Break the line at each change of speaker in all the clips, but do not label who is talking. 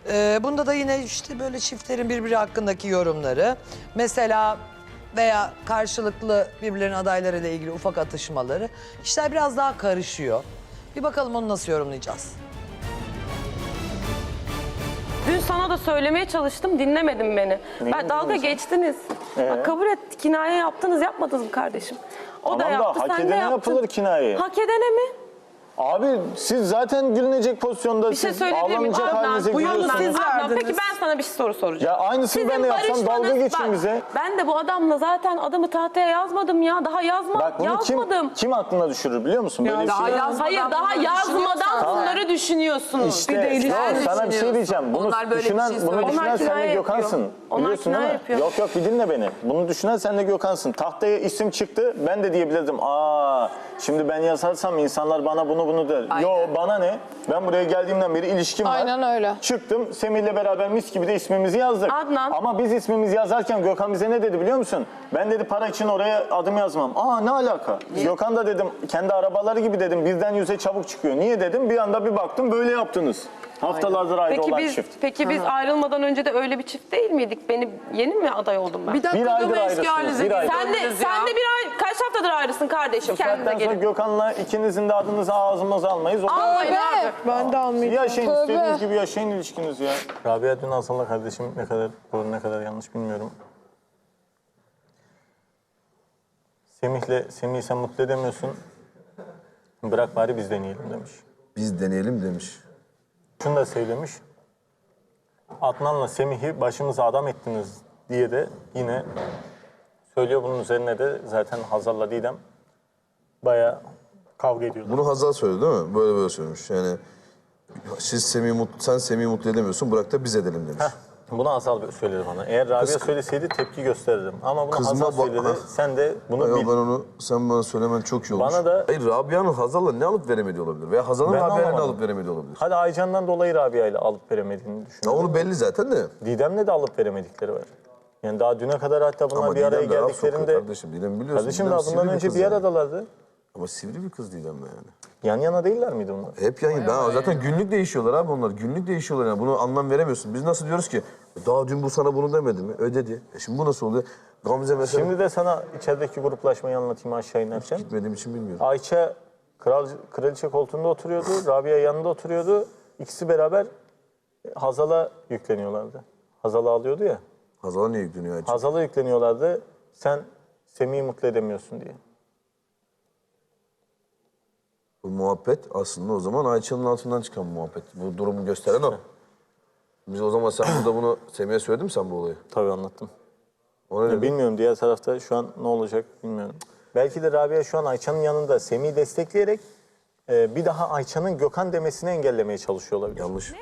Bunda da yine işte böyle çiftlerin birbiri hakkındaki yorumları. Mesela veya karşılıklı birbirlerinin adaylarıyla ilgili ufak atışmaları. İşler biraz daha karışıyor. Bir bakalım onu nasıl yorumlayacağız.
Dün sana da söylemeye çalıştım, dinlemedin beni. Ben dalga geçtiniz. Bak, kabul et, kinaye yaptınız, yapmadınız mı kardeşim? O da yaptı,
hak
sen de
edene
yaptın.
yapılır kinaye.
Hak edene mi?
Abi siz zaten gülünecek pozisyonda,
Bir şey
siz
söyleyebilir miyim?
ağlanacak halinize
bu yolu
gülüyorsunuz.
siz verdiniz.
Peki ben sana bir soru soracağım.
Ya aynısını ben de yapsam dalga geçin bize.
Ben de bu adamla zaten adımı tahtaya yazmadım ya. Daha
Bak bunu
yazmadım.
kim aklına düşürür biliyor musun? Böyle
daha
bir şey.
Hayır, daha yazmadan bunları düşünüyorsunuz.
İşte
Bir de ilişki
sana bir şey diyeceğim. Bunu
Onlar böyle bir
düşünen,
şey
bunu
söylüyor.
düşünen
Onlar
sen de
kinaye
Gökhan'sın.
yapıyor. Onlar
Biliyorsun değil
kinaye
mi?
yapıyor.
Yok bir dinle beni. Bunu düşünen sen de Gökhan'sın. Tahtaya isim çıktı. Ben de diyebilirdim. Şimdi ben yazarsam insanlar bana bunu der.
Aynen.
Yo bana ne? Ben buraya geldiğimden beri ilişkim var.
Aynen öyle.
Çıktım. Semih'le beraber mis gibi de ismimizi yazdık.
Adnan.
Ama biz ismimizi yazarken Gökhan bize ne dedi biliyor musun? Ben dedi para için oraya adım yazmam. Ne alaka? Gökhan da dedim kendi arabaları gibi dedim birden yüze çabuk çıkıyor. Niye dedim? Bir anda bir baktım böyle yaptınız. Haftalardır ayrı olan çift.
Peki biz ayrılmadan önce de öyle bir çift değil miydik? Yeni mi aday oldum ben?
Bir dakika
Bir aydır
dur, eski
ayrısınız,
halinize
bir
geri
aydır.
döndünüz
Sen de bir ay, kaç haftadır ayrısın kardeşim? Kendine
Zaten sonra
gelin.
Gökhan'la ikinizin de adınızı ağzımıza almayız.
Almayın abi.
Ben de almayacağım.
Yaşayın
Tövbe.
istediğiniz gibi yaşayın ilişkiniz ya. Rabia dün Hasan'la kardeşim ne kadar doğru ne kadar yanlış bilmiyorum. Semih'i sen mutlu edemiyorsun. Bırak bari biz deneyelim demiş.
Biz deneyelim demiş.
Şunu da söylemiş. Adnan'la Semih'i başımıza adam ettiniz diye de yine söylüyor. Bunun üzerine de zaten Hazal'la Didem bayağı kavga ediyorlar.
Bunu Hazal söyledi değil mi? Böyle söylemiş. Yani sen Semih'i mutlu edemiyorsun, bırak da biz edelim demiş.
Bunu Hazal söyledi bana. Eğer Rabia söyleseydi tepki gösterirdim. Ama bunu
Kızma
Hazal söyledi. Sen de bunu
Ay,
bil.
sen bana söylemen çok iyi olmuş.
Bana da-
Hayır, Rabia'nın Hazal'la ne alıp veremediği olabilir? Veya Hazal'ın
Ben
Rabia'yla ne
anlamadım.
alıp veremediği olabilir?
Hadi Aycan'dan dolayı Rabia ile alıp veremediğini
Ya
düşünüyorum.
onu belli zaten de.
Didem'le de alıp veremedikleri var. Yani daha düne kadar hatta bunlar
Ama
bir araya
Didem de laf sokuyor
geldiklerinde...
kardeşim. Didem biliyorsun.
Kardeşim
Didem
daha
sivri
bundan önce
kız
bir
yani.
aradalardı.
Ama sivri bir kız Didem yani.
Yan yana değiller miydi onlar?
Hep yani. Zaten günlük değişiyorlar abi onlar. Günlük değişiyorlar yani. Bunu anlam veremiyorsun. Biz nasıl diyoruz ki? Daha dün bu sana bunu demedi mi? Ödedi. Şimdi bu nasıl oluyor? Gamze mesela...
Şimdi de sana içerideki gruplaşmayı anlatayım aşağı inerken.
Gitmediğim için bilmiyorum.
Ayça kraliçe koltuğunda oturuyordu. Rabia yanında oturuyordu. İkisi beraber Hazal'a yükleniyorlardı. Hazal'ı alıyordu ya.
Hazal'a niye yükleniyor Ayça?
Hazal'a yükleniyorlardı. Sen Semih'i mutlu edemiyorsun diye.
Bu muhabbet aslında o zaman Ayça'nın altından çıkan bir muhabbet. Bu durumu gösteren o. Biz o zaman sen burada bunu Semih'e söyledin mi sen bu olayı?
Tabii anlattım.
O ne dedi?
Bilmiyorum diğer tarafta şu an ne olacak bilmiyorum. Belki de Rabia şu an Ayça'nın yanında Semih'i destekleyerek bir daha Ayça'nın Gökhan demesini engellemeye çalışıyor olabilir.
Yanlış.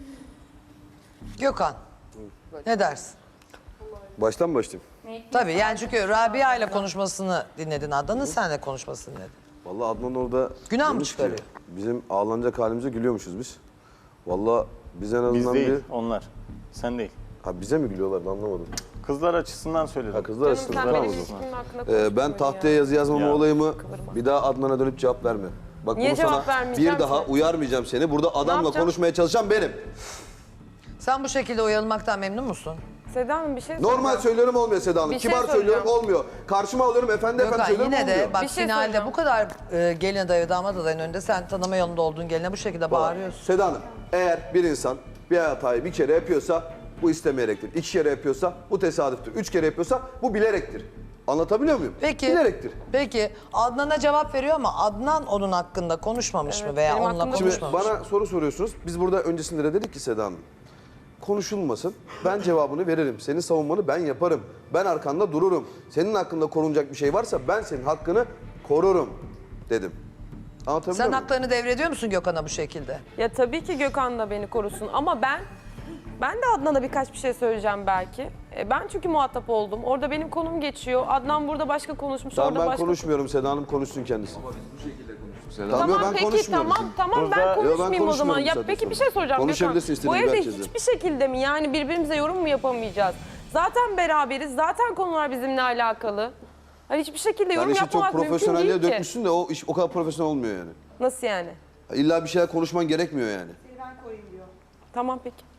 Gökhan, ne dersin?
Baştan başlayayım.
Tabii yani çünkü Rabia ile konuşmasını dinledin Adnan'ın, sen de konuşmasını dinledin.
Vallahi Adnan orada...
Günah mı
demiş ki,
çıkarıyor?
Bizim ağlanacak halimize gülüyormuşuz biz. Vallahi biz en azından
Biz değil,
bir...
onlar. Sen değil.
Ha bize mi gülüyorlar ben anlamadım.
Kızlar açısından söyledim.
Ha kızlar
Canım,
arasında
sen
tamam
benim
o zaman.
ilişkimin hakkında konuşma
Ben tahtaya yazı yazmama
Ya.
olayımı bir daha Adnan'a dönüp cevap verme. Bak
Niye
bunu
cevap
sana
vermeyeceğim
bir daha
ki?
uyarmayacağım seni. Burada adamla
yapacağım?
konuşmaya çalışan benim.
Sen bu şekilde uyarılmaktan memnun musun?
Seda Hanım bir şey
Normal
soracağım.
söylüyorum olmuyor Seda Hanım.
Bir şey
Kibar söylüyorum
soracağım.
olmuyor. Karşıma alıyorum efendi
Gökhan
söylüyorum
yine de
olmuyor.
bak
Bir şey
finalde
soracağım.
bu kadar gelin adayı ve damat adayının önünde sen tanıma yolunda olduğun geline bu şekilde bağırıyorsun.
Seda Hanım, eğer bir insan bir hatayı bir kere yapıyorsa bu istemeyektir. 2 kere yapıyorsa bu tesadüftür. 3 kere yapıyorsa bu bilerektir. Anlatabiliyor muyum?
Peki,
Bilerektir.
peki Adnan'a cevap veriyor ama Adnan onun hakkında konuşmamış mı veya
benim
onunla
hakkımda
Şimdi
konuşmamış mı?
bana soru soruyorsunuz. Biz burada öncesinde de dedik ki Seda Hanım, konuşulmasın. Ben cevabını veririm. Senin savunmanı ben yaparım. Ben arkanda dururum. Senin hakkında korunacak bir şey varsa ben senin hakkını korurum dedim. Anlatabiliyor
Sen
muyum?
haklarını devrediyor musun Gökhan'a bu şekilde?
Ya tabii ki Gökhan da beni korusun ama ben de Adnan'a birkaç bir şey söyleyeceğim belki. Ben çünkü muhatap oldum. Orada benim konum geçiyor. Adnan burada başka konuşmuş,
Tamam
orada
ben
başka...
konuşmuyorum. Seda Hanım konuşsun kendisi.
Tamam
yok, ben
peki
konuşmuyorum.
tamam ben
Yo, ben
konuşmayayım o zaman.
konuşmuyorum
Ya
zaten
peki
sonra.
bir şey soracağım Gökhan.
Konuşabilirsin
Bu
istediğin
evde
herkesle.
hiçbir şekilde mi yani birbirimize yorum mu yapamayacağız? Zaten beraberiz. Zaten konular bizimle alakalı. Hani hiçbir şekilde
Yani
yorum
işi çok
yapmamak mümkün
profesyonelliğe
değil ki.
dökmüşsün de o iş o kadar profesyonel olmuyor yani.
Nasıl yani?
İlla bir şeyler konuşman gerekmiyor yani.
Tamam peki.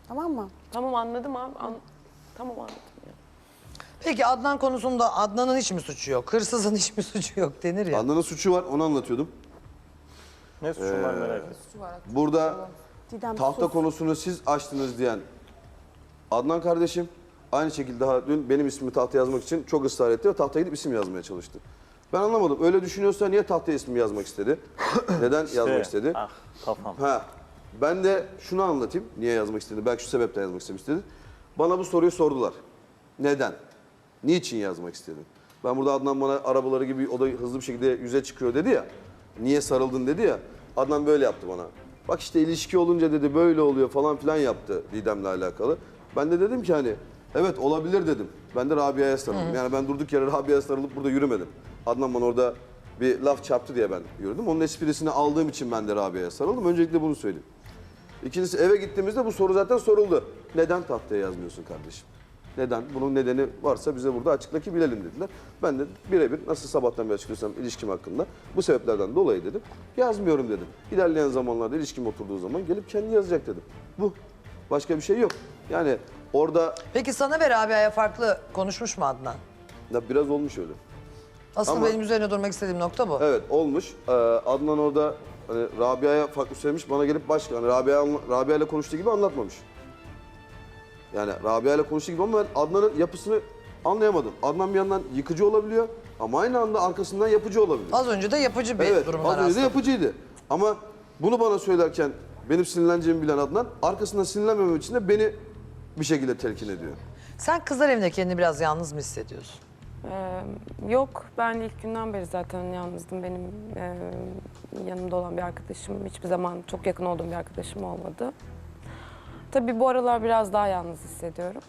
Tamam mı?
Tamam anladım abi. Tamam anladım. Ya.
Peki Adnan konusunda Adnan'ın hiç mi suçu yok? Hırsızın hiç mi suçu yok denir ya.
Adnan'ın suçu var, onu anlatıyordum.
Ne suçum var merak ettim.
Burada
Didem
tahta
sus.
konusunu siz açtınız diyen Adnan kardeşim aynı şekilde daha dün benim ismimi tahtaya yazmak için çok ısrar etti ve tahtaya gidip isim yazmaya çalıştı. Ben anlamadım. Öyle düşünüyorsa niye tahtaya ismimi yazmak istedi? Neden yazmak istedi?
Ah kafam.
Ha, ben de şunu anlatayım. Niye yazmak istedi? Belki şu sebepten yazmak istedi. Bana bu soruyu sordular. Neden? Niçin yazmak istedin? Ben burada Adnan bana arabaları gibi o da hızlı bir şekilde yüze çıkıyor dedi ya. Niye sarıldın dedi ya. Adnan böyle yaptı bana. Bak işte ilişki olunca dedi böyle oluyor falan filan yaptı Didem'le alakalı. Ben de dedim ki hani evet olabilir dedim. Ben de Rabia'ya sarıldım. Yani ben durduk yere Rabia'ya sarılıp burada yürümedim. Adnan bana orada bir laf çarptı diye ben yürüdüm. Onun esprisini aldığım için ben de Rabia'ya sarıldım. Öncelikle bunu söyleyeyim. İkincisi eve gittiğimizde bu soru zaten soruldu. Neden tahtaya yazmıyorsun kardeşim? Neden? Bunun nedeni varsa bize burada açıkla ki bilelim dediler. Ben de birebir nasıl sabahtan beri açıklıyorsam ilişkim hakkında bu sebeplerden dolayı dedim. Yazmıyorum dedim. İlerleyen zamanlarda ilişkim oturduğu zaman gelip kendi yazacak dedim. Bu. Başka bir şey yok. Yani orada
Peki sana ve Rabia'ya farklı konuşmuş mu Adnan?
ya biraz olmuş öyle.
Aslında
Ama-
benim üzerine durmak istediğim nokta bu.
Evet olmuş. Adnan orada hani Rabia'ya farklı söylemiş. Bana gelip başka hani Rabia ile konuştuğu gibi anlatmamış. Yani Rabia ile konuştuğu gibi ama ben Adnan'ın yapısını anlayamadım. Adnan bir yandan yıkıcı olabiliyor ama aynı anda arkasından yapıcı olabiliyor.
Az önce de yapıcı bir
Evet,
durumdan
az önce de
rastladım.
yapıcıydı. Ama bunu bana söylerken benim sinirleneceğimi bilen Adnan arkasından sinirlenmemem için de beni bir şekilde telkin ediyor.
Sen kızlar evinde kendini biraz yalnız mı hissediyorsun?
Yok ben ilk günden beri zaten yalnızdım. Benim yanımda olan bir arkadaşım hiçbir zaman çok yakın olduğum bir arkadaşım olmadı. Tabii bu aralar biraz daha yalnız hissediyorum.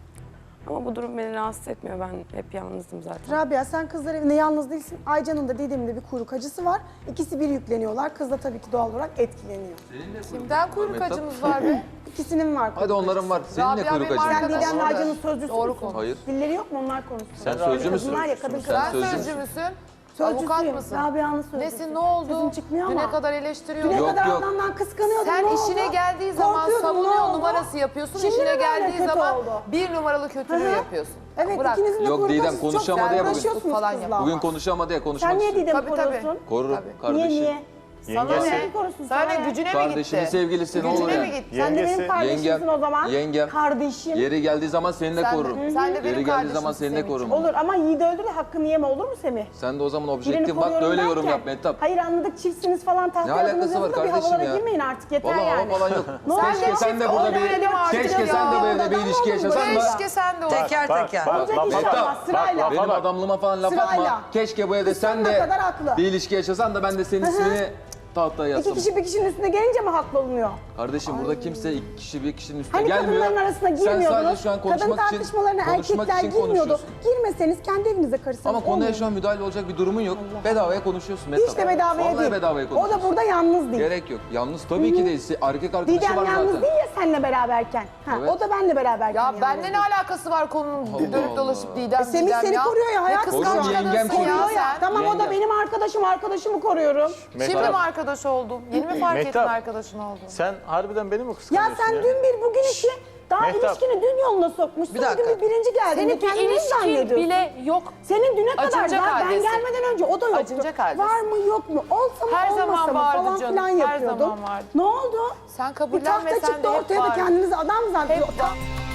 Ama bu durum beni rahatsız etmiyor. Ben hep yalnızdım zaten.
Rabia sen kızlar evinde yalnız değilsin. Aycan'ın da Didem'in de bir kuyruk acısı var. İkisi bir yükleniyorlar. Kız da tabii ki doğal olarak etkileniyor.
Kimden kuyruk acımız var be?
İkisinin var.
Hadi onların var. Senin ne
Rabia
kuyruk
benim
acın?
Sen
arkadaşım.
Didem'le Aycan'ın sözcüsü
Doğru
müsün?
konuş.
Hayır.
Dilleri yok mu onlar konuşsun?
Sen sözcü müsün?
Kadınlar ya kadın
Sen
kadın.
sözcü müsün? Avukat
Sözcüsüyüm.
mısın?
Rabia'nın sözcüsü.
Nesin ne oldu?
Sesin çıkmıyor
Düne
ama.
kadar eleştiriyordun.
Düne
Yok,
kadar
yok.
adamdan kıskanıyordun.
Sen
ne oldu?
işine geldiği zaman
Korkuyordun, ne
savunuyor
oldu?
numarası yapıyorsun.
Şimdi
İşine
mi böyle
geldiği
kötü
zaman
oldu?
bir numaralı kötülüğü
Hı hı.
yapıyorsun.
Evet
Bırak.
ikinizin de
Yok,
kuyruk
Didem,
acısı çok
konuşamadı ya bugün.
uğraşıyorsunuz
Falan
kızla
yap.
ama.
Bugün konuşamadı ya, konuşmak
Sen niye
istiyor.
Didem'i
Tabii, tabii.
koruyorsun?
Korurum
Tabii.
Niye
kardeşim.
niye?
Sana
Yengesi.
ne?
Korusun,
Sana
sana
ne?
ne?
Gücüne mi
Kardeşinin
gitti?
sevgilisi ne
Gücüne
oluyor?
mi gitti?
Sen de benim
Yengesi.
kardeşimsin
Yengem,
o zaman.
yengem.
Kardeşim.
Yeri geldiği zaman seni de
Sen de-
korurum.
sen de benim
Yeri geldiği zaman
kardeşimsin
seni de
Semih.
korurum.
Olur ama Yiğit öldü de hakkını yeme olur mu Semih?
Sen de o zaman
Birini
objektif bak
koruyorum
öyle yorum
derken,
yap Mehtap.
Hayır anladık çiftsiniz falan
Ne
tahtaya
alakası
adınız
var
yazılı da bir
kardeşim
havalara
ya?
girmeyin artık yeter
Vallahi
yani.
hava falan yok.
Ne oldu?
Keşke sen de burada
Oynadım artık
keşke
ya.
sen de böyle bir
Adam
ilişki
oldu
yaşasan da
Keşke sen de ol.
Teker teker.
Olacak iş
Mehtap,
olmaz sırayla.
benim adamlığıma falan laf
Sırayla.
atma. Keşke bu evde sen
Kıskanına
de
kadar haklı.
bir ilişki yaşasan da ben de senin ismini tahtaya
İki
yazsam.
kişi bir kişinin üstüne gelince mi haklı olunuyor?
Kardeşim burada kimse iki kişi bir kişinin üstüne
Hani
gelmiyor.
kadınların arasına
Sen sadece
girmiyordunuz.
şu an
Kadın
konuşmak için,
tartışmalarına
konuşmak
erkekler
için
girmiyordu.
konuşuyorsun.
Girmeseniz kendi evinize karışsanız
Ama konuya
olmuyor
şu an müdahale olacak bir durumun yok. Bedavaya konuşuyorsun
mu?
Mehtap.
Hiç de bedavaya
Vallahi
değil.
bedavaya
O
konuşuyorsun.
da burada yalnız değil.
Gerek yok. Yalnız tabii ki değil. Erkek arkadaşı
Didem
var
yalnız
zaten.
değil ya seninle beraberken. Ha,
Evet.
O da benle beraberken
Ya
yalnız
benle
değil.
ne alakası var konunun
Allah
dönüp dolaşıp
Allah.
Didem
Semih
Didem
seni
ya?
koruyor ya,
Ne
hayat
kıskanç
Korurum, yengem
kadınsın
koruyor.
ya
Koruyor ya.
sen.
Tamam o da
Yengem.
benim arkadaşımı koruyorum.
Şimdi mi arkadaş oldun? Yeni mi fark ettin
Mehtap.
arkadaşın olduğunu?
Sen harbiden beni mi
Ya
kıskanıyorsun
sen dün bir bugün iki daha
Mehtap.
ilişkini dün yoluna sokmuşsun.
Bir dakika.
Bugün bir birinci geldin.
Senin bir
Kendini
ilişkin
zannediyorsun.
bile yok.
Senin düne kadar
Acınacak
var. Ben
haldesin.
gelmeden önce o da yoktu.
Acınacak haldesin.
Var mı yok mu? Olsa mı
Her
olmasa
zaman
mı
vardı
falan
canım,
filan
her
yapıyordun.
zaman vardı.
Ne oldu?
Sen
Bir tahta
kabullenmesen
çıktı
de hep
ortaya da
vardı.
kendinizi adam zannediyor.
Hep var.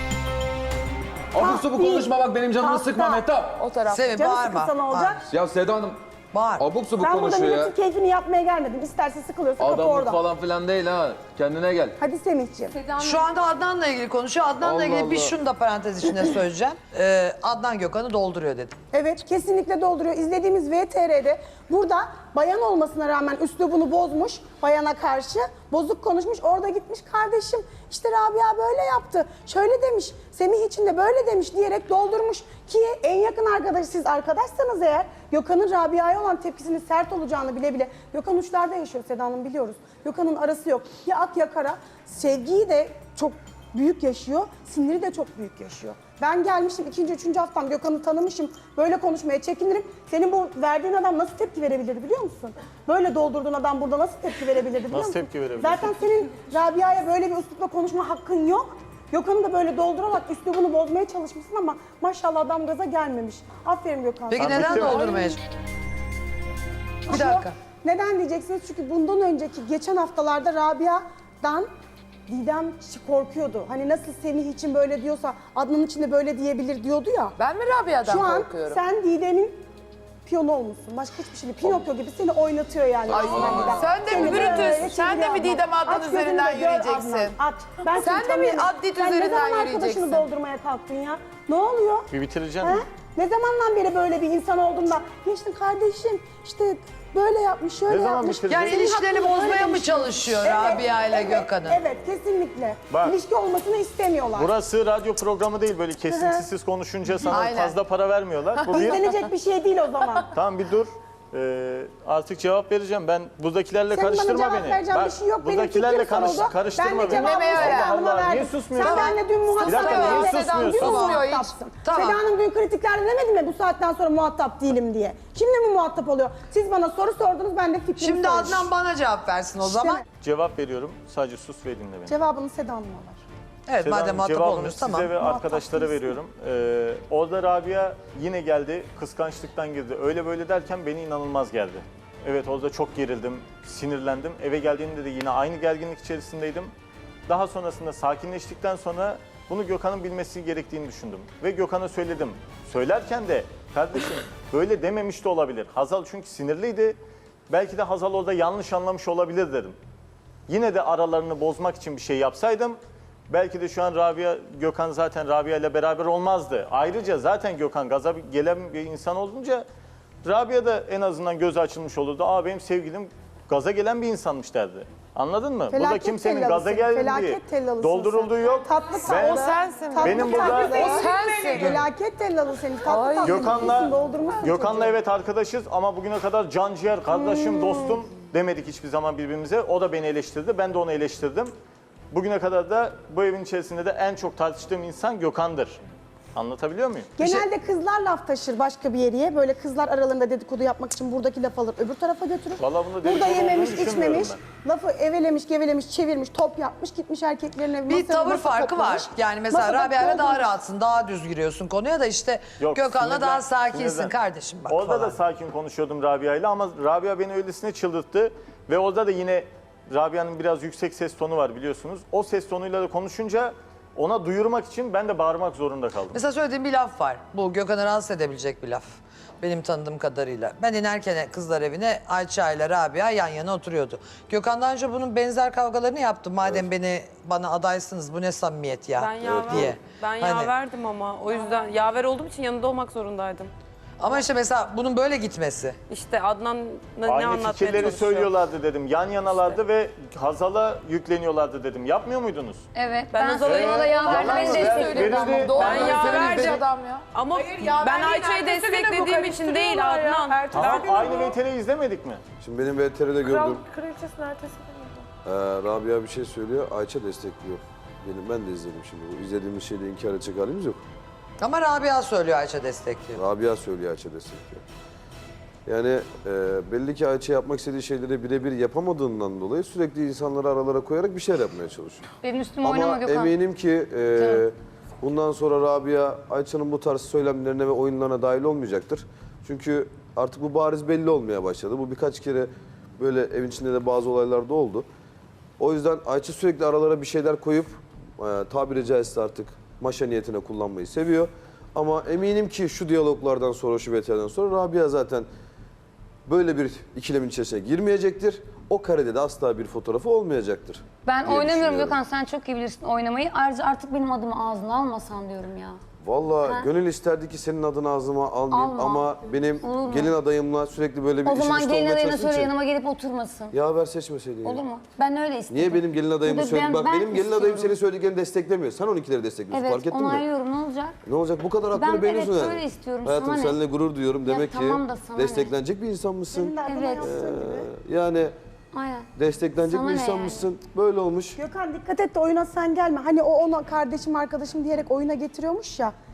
Abuk subuk
değil.
konuşma bak benim canımı
Tahta.
sıkma Mehtap.
O taraf.
Sevim
Canı
bağırma.
sıkılsa ne olacak?
Ya Seda Hanım
Bağır.
abuk subuk
Ben burada
konuşuyor ya.
milletin keyfini yapmaya gelmedim. İsterse sıkılıyorsa kapı
Adamlık
orada.
falan filan değil ha. Kendine gel.
Hadi Semihciğim.
Şu anda Adnan'la ilgili konuşuyor. Adnan'la
Allah
ilgili bir
Allah.
şunu da parantez içinde söyleyeceğim. Adnan Gökhan'ı dolduruyor dedim.
Evet kesinlikle dolduruyor. İzlediğimiz VTR'de burada bayan olmasına rağmen üslubunu bozmuş bayana karşı. Bozuk konuşmuş. Orada gitmiş kardeşim işte Rabia böyle yaptı. Şöyle demiş. Semih için de böyle demiş diyerek doldurmuş. Ki en yakın arkadaşı siz arkadaşsanız eğer Gökhan'ın Rabia'ya olan tepkisinin sert olacağını bile bile. Gökhan uçlarda yaşıyor Seda Hanım biliyoruz. Gökhan'ın arası yok. Ya ak ya kara. Sevgiyi de çok büyük yaşıyor. Siniri de çok büyük yaşıyor. Ben gelmişim 2. 3. haftam Gökhan'ı tanımışım. Böyle konuşmaya çekinirim. Senin bu verdiğin adam nasıl tepki verebilirdi biliyor musun? Böyle doldurduğun adam burada nasıl tepki verebilirdi biliyor
Nasıl
musun?
tepki verebilirdi?
Zaten senin Rabia'ya böyle bir üslupla konuşma hakkın yok. Gökhan'ı da böyle doldurarak üslubunu bozmaya çalışmışsın ama maşallah adam gaza gelmemiş. Aferin Gökhan.
Peki
sana.
neden
bitti mi?
doldurmaya? Bir
Ama
dakika.
neden diyeceksiniz? Çünkü bundan önceki geçen haftalarda Rabia'dan Didem korkuyordu. Hani nasıl Semih için böyle diyorsa Adnan için de böyle diyebilir diyordu ya.
Ben mi Rabia'dan
Şu an
korkuyorum?
sen Didem'in piyonu olmuşsun. Başka hiçbir şey değil. Pinokyo gibi seni oynatıyor yani. resmen Didem.
Sen de mi
Seni
Brutus?
böyle
Sen de mi
çeviriyor
Didem
Adnan.
Adnan
Aç gözünü
üzerinden
de gör
yürüyeceksin?
Adnan, Aç. Ben
Sen
seni
de mi
tanıyorum.
Addit
Sen
üzerinden
ne zaman arkadaşını
yürüyeceksin?
doldurmaya kalktın ya? Ne oluyor?
Bir bitireceğim.
He? Ne zamandan beri böyle bir insan oldun da geçtin kardeşim işte böyle yapmış, şöyle
Ne zaman
yapmış.
bitirdin?
Yani
Senin
ilişkilerini
hakkında
bozmaya
böyle
mı
demiş.
çalışıyor Rabia ile Gökhan'ı?
Evet, kesinlikle.
Bak.
İlişki olmasını istemiyorlar.
Burası radyo programı değil, böyle kesintisiz konuşunca sana
Aynen.
fazla para vermiyorlar. Bu bir...
İzlenecek bir şey değil o zaman.
Tamam bir dur. Artık cevap vereceğim. Ben buradakilerle
Senin bana
karıştırma
cevap
beni.
vereceğin bir şey yok. Benim
buradakilerle
fikrim soruldu.
karıştırma
Ben de
beni.
cevabımı
Dinlemeye
Seda
öğren.
Hanım'a
Allah, niye
verdim.
susmuyorsun?
Sen benimle dün muhatap
Bir dakika, niye
değildin.
susmuyorsun?
Dün
Susmuyor hiç.
muhatapsın.
Tamam.
Seda Hanım dün kritiklerde demedi mi bu saatten sonra muhatap değilim diye? Kimle mi muhatap oluyor? Siz bana soru sordunuz, ben de fikrimi
Şimdi
söyledim.
Adnan bana cevap versin o zaman.
Cevap veriyorum. Sadece sus ve dinle beni.
Cevabını Seda Hanım'a ver.
Evet
Seda
madem
Hanım,
muhatap
cevabını
olmuyoruz
size
tamam.
ve
Muhatap
arkadaşlara
değilsin.
veriyorum. Orada Rabia yine geldi, kıskançlıktan girdi. Öyle böyle derken beni inanılmaz geldi. Evet, orada çok gerildim, sinirlendim. Eve geldiğimde de yine aynı gerginlik içerisindeydim. Daha sonrasında sakinleştikten sonra bunu Gökhan'ın bilmesi gerektiğini düşündüm. Ve Gökhan'a söyledim. Söylerken de kardeşim böyle dememiş de olabilir. Hazal çünkü sinirliydi. Belki de Hazal orada yanlış anlamış olabilir dedim. Yine de aralarını bozmak için bir şey yapsaydım belki de şu an Gökhan zaten Rabia ile beraber olmazdı. Ayrıca zaten Gökhan gaza gelen bir insan olunca Rabia da en azından gözü açılmış olurdu. Aa benim sevgilim gaza gelen bir insanmış derdi. Anladın mı? Burada
Felaket
kimsenin
tellalısın,
gaza geldiği,
felaket tellalısın
doldurulduğu
sen.
yok.
Tatlı
Ben-
tatlı.
O sensin.
Tatlı
Benim burada-
tatlı.
O sensin.
Felaket tellalı senin. Tatlı tatlı. doldurmuşsun
Gökhan'la
çocuğu.
evet arkadaşız ama bugüne kadar can ciğer, kardeşim, dostum demedik hiçbir zaman birbirimize. O da beni eleştirdi, ben de onu eleştirdim. Bugüne kadar da bu evin içerisinde de en çok tartıştığım insan Gökhan'dır. Anlatabiliyor muyum?
Genelde kızlar laf taşır başka bir yere. Böyle kızlar aralarında dedikodu yapmak için buradaki laf alır, öbür tarafa götürür.
Vallahi bunda
Burada
dedikodu
yememiş,
olduğunu düşünmüyorum
içmemiş, lafı evelemiş, gevelemiş, çevirmiş, top yapmış, gitmiş erkeklerine
Bir tavır
masa
farkı
toplamış.
var. Yani mesela
Masada
Rabia ile daha
doldurmuş.
rahatsın, daha düz giriyorsun konuya da işte
Yok,
Gökhan'la daha
sinirden-
sakinsin
sinirden.
kardeşim bak
Orada
falan.
da sakin konuşuyordum Rabia ile ama Rabia beni öylesine çıldırttı. Ve orada da yine Rabia'nın biraz yüksek ses tonu var biliyorsunuz. O ses tonuyla da konuşunca ona duyurmak için ben de bağırmak zorunda kaldım.
Mesela söylediğim bir laf var. Bu Gökhan'ı rahatsız edebilecek bir laf. Benim tanıdığım kadarıyla. Ben inerken kızlar evine Ayça ile Rabia yan yana oturuyordu. Gökhan daha önce bunun benzer kavgalarını yaptı. Madem bana adaysınız bu ne samimiyet ya
Ben yaver,
diye.
ben
Hani-
yaverdim ama o yüzden yaver olduğum için yanında olmak zorundaydım.
Ama işte mesela bunun böyle gitmesi.
İşte Adnan'la ne
Aynı
anlatmaya
fikirleri
çalışıyor.
söylüyorlardı dedim. Yan yanalardı ve Hazal'a yükleniyorlardı dedim. Yapmıyor muydunuz?
Evet.
Ben
Ben,
Hazal'a
Hazal'a yaver
Yalan
beni
mı?
destekliyordu
Verildi.
ama.
Doğru
Ben yaverdim.
söylüyor adam ya.
Ama
yaver
ben
değil,
Ayça'yı
ertesi güne bu
desteklediğim için değil
karıştırıyorlar ya.
Adnan.
Ertesi
Tamam,
gün
aynı
bu.
VTR'yi izlemedik mi?
Şimdi benim VTR'de gördüm.
Kraliçesinin ertesi günü.
Rabia bir şey söylüyor, Ayça destekliyor. Ben de izledim şimdi. Bu izlediğimiz şeyde inkar edecek halimiz yok.
Ama Rabia söylüyor Ayça destekliyor.
Rabia söylüyor, Ayça destekliyor. Yani belli ki Ayça yapmak istediği şeyleri birebir yapamadığından dolayı sürekli insanları aralara koyarak bir şeyler yapmaya çalışıyor.
Benim üstüme oynama
Ama
Gökhan.
eminim ki bundan sonra Rabia Ayça'nın bu tarz söylemlerine ve oyunlarına dahil olmayacaktır. Çünkü artık bu bariz belli olmaya başladı. Bu birkaç kere böyle evin içinde de bazı olaylar da oldu. O yüzden Ayça sürekli aralara bir şeyler koyup tabiri caizse artık maşa niyetine kullanmayı seviyor. Ama eminim ki şu diyaloglardan sonra, şu VTR'den sonra Rabia zaten böyle bir ikilemin içerisine girmeyecektir. O karede de asla bir fotoğrafı olmayacaktır.
Ben
diye
oynamıyorum
düşünüyorum.
Gökhan, sen çok iyi bilirsin oynamayı. Ayrıca artık benim adımı ağzına almasan diyorum ya.
Vallahi gönül isterdi ki senin adını ağzıma almayayım
Alma.
ama benim
Olur mu?
gelin adayımla sürekli böyle bir
O
işin
zaman
üstü
gelin
olmaya
adayına
çalıştığın
söyle
için-
yanıma gelip oturmasın.
Yaver seçmeseydin.
Olur
ya.
mu? Ben öyle istedim.
Niye benim gelin adayımı
Burada
söyledi? Bak
ben
benim gelin
istiyorum.
adayım senin söylediklerini desteklemiyor. Sen onunkileri destekliyorsun.
Evet,
Fark ettin mi?
onaylıyorum. Ne olacak?
Ne olacak? Bu kadar
Ben
hakkını beğeniyorsun
evet,
yani.
böyle istiyorum.
Hayatım
Sana ne?
seninle gurur duyuyorum.
Ya
Demek
tamam da
ki
sana ne?
desteklenecek bir insan mısın?
Senin de adına
Evet.
yaptığın gibi.
Yani
Aynen.
desteklenecek
Sana
bir
ne
insan
yani?
mısın? Böyle olmuş.
Gökhan dikkat et de oyuna sen gelme. Hani o ona kardeşim arkadaşım diyerek oyuna getiriyormuş ya.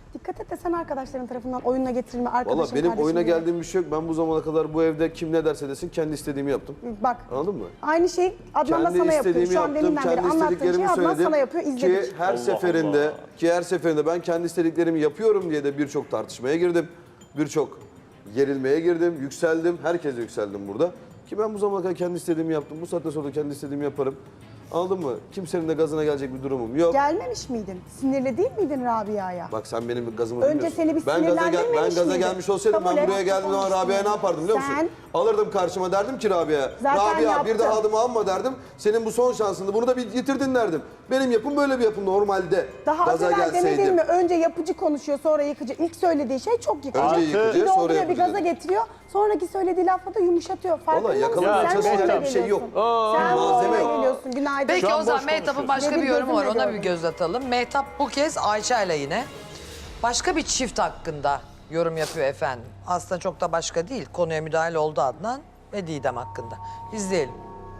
Dikkat et de sen arkadaşların tarafından oyuna getirilme, arkadaşın,
Valla benim
kardeşin
oyuna
diye.
geldiğim bir şey yok. Ben bu zamana kadar bu evde kim ne derse desin kendi istediğimi yaptım.
Bak,
Anladın mı?
aynı şey Adnan da
Kendi
sana yapıyor.
istediğimi
Şu an
yaptım,
deminden beri
kendi
anlattığın şeyi
istediklerimi
Adnan
söyledim.
sana yapıyor, izledik.
Ki her seferinde ben kendi istediklerimi yapıyorum diye de birçok tartışmaya girdim. Birçok gerilmeye girdim, yükseldim. Herkese yükseldim burada. Ki ben bu zamana kadar kendi istediğimi yaptım. Bu saatten sonra da kendi istediğimi yaparım. Anladın mı? Kimsenin de gazına gelecek bir durumum yok.
Gelmemiş miydin? Sinirli değil miydin Rabia'ya?
Bak sen benim gazımı
Önce
bilmiyorsun.
seni bir
ben
sinirlendirmemiş
gaza
miydin?
gelmiş olsaydım
Kabul
ben
et.
buraya geldiğim zaman Rabia'ya ne yapardım biliyor musun?
Sen-
Alırdım karşıma derdim ki Rabia'ya.
Zaten
Rabia
yaptın.
bir daha adımı alma derdim. Senin bu son şansındı. Bunu da bir yitirdin derdim. Benim yapım böyle bir yapım normalde.
Daha az
gaza
evvel demedin
gelseydim.
mi? Önce yapıcı konuşuyor, sonra yıkıcı. İlk söylediği şey çok yıkıcı.
Önce yıkıcı,
Bir
sonra
dolduruyor, bir
yapıcı
gaza
dedi.
getiriyor. Sonraki söylediği lafla da yumuşatıyor. Farkında
Vallahi
mısın?
yakalamaya
Sen
çalışacak
böyle
bir şey yok.
geliyorsun. Sen
malzeme
böyle
yok.
geliyorsun. Günaydın.
Peki
Şu an
o zaman
boş
Mehtap'ın
konuşuyorsun.
başka bir
Benim
yorumu var.
gözümle
Ona bir
gördüm.
göz atalım. Mehtap bu kez Ayça'yla yine başka bir çift hakkında yorum yapıyor efendim. Aslında çok da başka değil. Konuya müdahale oldu Adnan ve Didem hakkında. İzleyelim.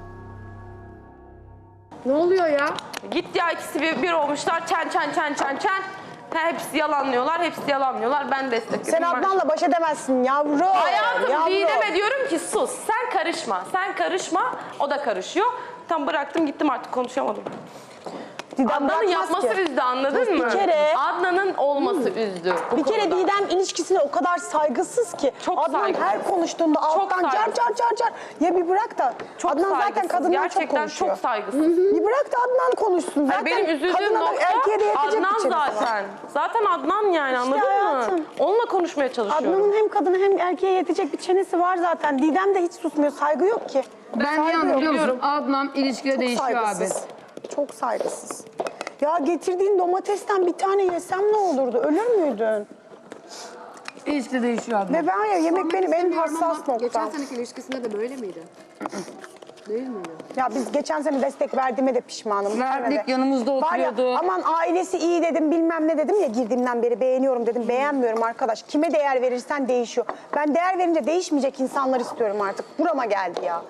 Ne oluyor ya?
Git ya, ikisi bir olmuşlar. Çen. Hepsi yalanlıyorlar, hepsi yalanlıyorlar. Ben destekliyorum.
Sen Adnan'la baş edemezsin yavrum.
Hayatım
yavrum.
Didem'e diyorum ki sus, sen karışma, o da karışıyor. Tam bıraktım gittim, artık konuşamadım.
Didem
Adnan'ın
bırakmaz
yapması
ki.
üzdü, anladın mı?
Bir kere-
Adnan'ın olması üzdü bu
Bir kere
konuda.
Didem ilişkisine o kadar saygısız ki.
Çok
Adnan
saygısız.
her konuştuğunda alttan car
saygısız.
car. Ya bir bırak da.
Çok
Adnan zaten
saygısız,
kadından
gerçekten
çok konuşuyor.
çok saygısız.
Bir bırak da Adnan konuşsun. Zaten
Benim üzüldüğüm
kadına da
nokta
erkeğe de yetecek
Adnan
bir çenesi var.
zaten. Zaten Adnan yani, anladın
hayatım.
mı? Onunla konuşmaya çalışıyorum.
Adnan'ın hem kadına hem erkeğe yetecek bir çenesi var zaten. Didem de hiç susmuyor. Saygı yok ki.
Ben
Saygı
yandım
yok.
biliyor musun? Adnan ilişkide
Çok
değişiyor abi.
saygısız. Çok saygısız. Ya getirdiğin domatesten bir tane yesem ne olurdu? Ölür müydün?
İlişkide değişiyor Adnan.
Ve ben ya yemek benim en hassas
Geçen
noktam.
seneki ilişkisinde de böyle miydi? Değil miydi?
Ya biz geçen sene destek verdiğime de pişmanım. bu
Verdik,
sene de.
yanımızda
Var ya,
oturuyordu.
aman ailesi iyi dedim, bilmem ne dedim ya, girdiğimden beri beğeniyorum dedim. Beğenmiyorum arkadaş. Kime değer verirsen değişiyor. Ben değer verince değişmeyecek insanlar istiyorum artık. Burama geldi ya.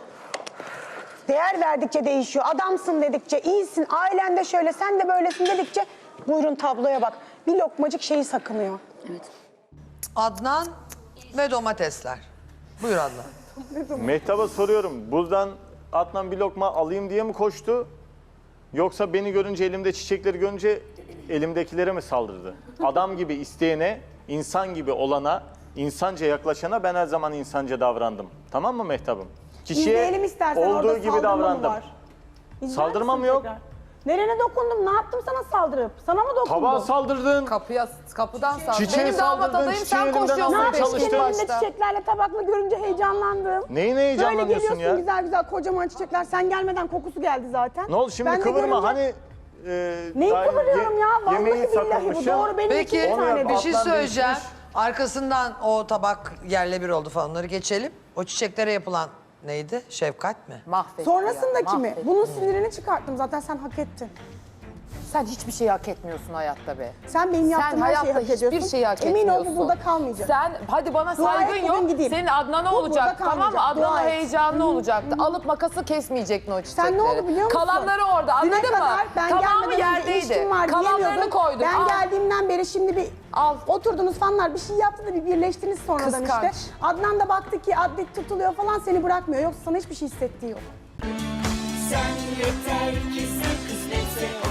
Değer verdikçe değişiyor. Adamsın dedikçe, iyisin, ailen de şöyle, sen de böylesin dedikçe buyurun tabloya bak. Bir lokmacık şeyi sakınıyor.
Adnan ve domatesler. Buyur Adnan.
Mehtap'a soruyorum. Buradan Adnan bir lokma alayım diye mi koştu? Yoksa beni görünce, elimde çiçekleri görünce elimdekilere mi saldırdı? Adam gibi isteyene, insan gibi olana, insanca yaklaşana ben her zaman insanca davrandım. Tamam mı Mehtap'ım?
İzleyelim istersen,
olduğu
orada
gibi
saldırma mı
davrandım.
var? İzler
Saldırma
misin
mı yok?
tekrar? Nerene dokundum? Ne yaptım sana saldırıp? Sana mı dokundum?
Tabağa saldırdın.
Kapıdan sağ.
Çiçeğe
Benim damat
saldırdın,
adayım,
çiçeği
sen
elimden
koşuyorsun.
almaya
Ne yapayım?
çalıştın.
Elinde çiçeklerle tabakla görünce heyecanlandım.
Neyine
Böyle
heyecanlanıyorsun
geliyorsun
ya?
güzel güzel kocaman çiçekler. Sen gelmeden kokusu geldi zaten.
Ne oldu şimdi
Ben de
kıvırma
görünce-
hani...
Neyi
daha
kıvırıyorum ya? Vallahi
yemeği
billahi bu
sakınmışım.
doğru. Benim
Peki
iki tane
bir
de.
şey
Adnan
söyleyeceğim.
değişmiş.
Arkasından o tabak yerle bir oldu falan, onları geçelim. O çiçeklere yapılan neydi? Şefkat mi?
Sonrasındaki mi? Bunun sinirini çıkarttım. Zaten sen hak ettin.
Sen hiçbir şey hak etmiyorsun hayatta be.
Sen benim
Sen
yaptığım her şeyi
hayatta
hak ediyorsun.
hiçbir şeyi hak
Emin
etmiyorsun.
ol bu burada kalmayacak.
Sen hadi bana
Dua et,
saygın
bugün
yok.
gideyim.
Senin Adnan'a
Bu
olacak
burada
tamam mı?
kalmayacak.
Adnan'a
Dua et.
heyecanlı olacaktı. Alıp makası kesmeyecektin o çiçekleri.
Sen ne oldu biliyor musun?
Kalanları orada
Düne
anladın mı?
kadar ben
Tamamı
gelmeden önce
yerdeydi.
ilişkim var
Kalanlarını
diyemiyordun.
koydun.
Ben
Al.
geldiğimden beri şimdi bir
Al.
oturdunuz fanlar bir şey yaptı da bir birleştiniz sonradan
Kıskanç.
işte. Adnan da baktı ki adlet tutuluyor falan seni bırakmıyor. Yoksa sana hiçbir şey hissettiği yok.
Sen yeter ki sen kısmetse